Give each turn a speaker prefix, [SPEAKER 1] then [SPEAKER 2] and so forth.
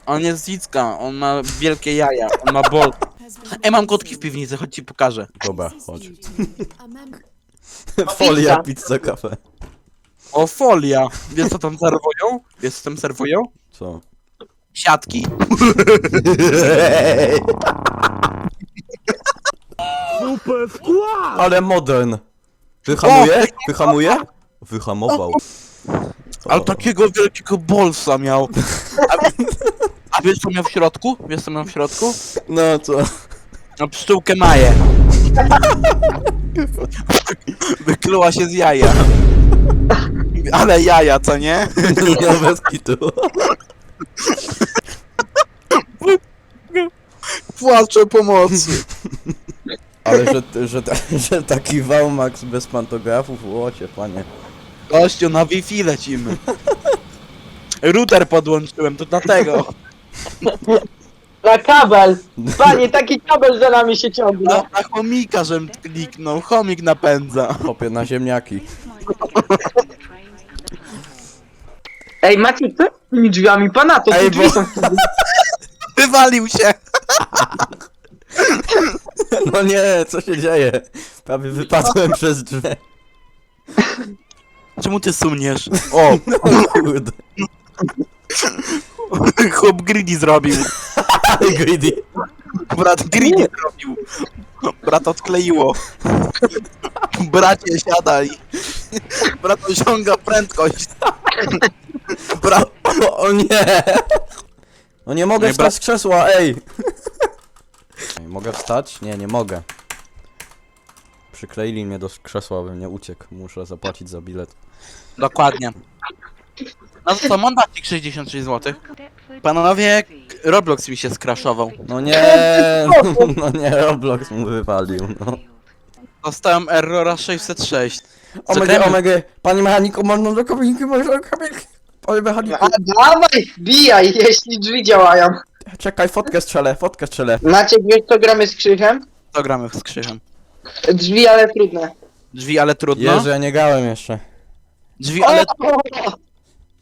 [SPEAKER 1] On jest Zicka, on ma wielkie jaja, on ma bol. Ej, mam kotki w piwnicy, chodź ci pokażę.
[SPEAKER 2] Dobra, chodź. Folia, pizza, kafe.
[SPEAKER 1] O, folia! Wiesz co tam serwują? Wiesz co tam serwują?
[SPEAKER 2] Co?
[SPEAKER 1] Siatki.
[SPEAKER 3] Super wkład!
[SPEAKER 2] Ale modern. Wyhamuje? Wyhamuje? Wyhamował.
[SPEAKER 1] Ale takiego wielkiego bolsa miał. A wiesz co miał w środku? Wiesz co miał w środku?
[SPEAKER 2] No co?
[SPEAKER 1] No pszczółkę Maję. Wykluła się z jaja. Ale jaja, co nie?
[SPEAKER 2] No bez kitu.
[SPEAKER 1] Płaczę pomocy.
[SPEAKER 2] Ale że taki Waumax bez pantografów, łocie, panie.
[SPEAKER 1] Gościu, na Wi-Fi lecimy. Router podłączyłem, to dlatego.
[SPEAKER 4] Na kabel! Panie, taki kabel za nami się ciągnie.
[SPEAKER 1] Na chomika, żem kliknął. Chomik napędza.
[SPEAKER 2] Hopie na ziemniaki.
[SPEAKER 4] Ej, Maciek, co z tymi drzwiami? Pana to
[SPEAKER 2] Ej,
[SPEAKER 4] te drzwi
[SPEAKER 2] bo-
[SPEAKER 4] są...
[SPEAKER 1] Wywalił się.
[SPEAKER 2] No nie, co się dzieje? Prawie wypadłem przez drzwi.
[SPEAKER 1] Czemu ty suniesz? O,
[SPEAKER 2] Kurde.
[SPEAKER 1] chłop greedy zrobił.
[SPEAKER 2] Ale greedy.
[SPEAKER 1] Brat greedy zrobił. Brat odkleiło. Bracie, siadaj. Brat osiąga prędkość. Brat...
[SPEAKER 2] O nie! No nie mogę
[SPEAKER 1] Nie,
[SPEAKER 2] wstać z krzesła, ej! Mogę wstać? Nie, nie mogę. Przykleili mnie do krzesła, bym nie uciekł. Muszę zapłacić za bilet.
[SPEAKER 1] Dokładnie. No to co, mandacik 66 zł. Panowie, Roblox mi się skraszował.
[SPEAKER 2] No nie, no nie, Roblox mu wywalił, no.
[SPEAKER 1] Dostałem errora 606.
[SPEAKER 2] Omega,
[SPEAKER 1] gramy?
[SPEAKER 2] omega, panie mechaniku, można do kabinki, można do kabinki. Panie mechaniku,
[SPEAKER 4] A dawaj, wbijaj, jeśli drzwi działają.
[SPEAKER 2] czekaj, fotkę strzelę.
[SPEAKER 4] Maciek, wiesz co gramy z Krzychem?
[SPEAKER 1] To gramy z Krzyżem.
[SPEAKER 4] Drzwi, ale trudne.
[SPEAKER 1] Drzwi, ale trudno.
[SPEAKER 2] Jezu, ja nie grałem jeszcze.
[SPEAKER 1] Drzwi, ale...
[SPEAKER 4] O!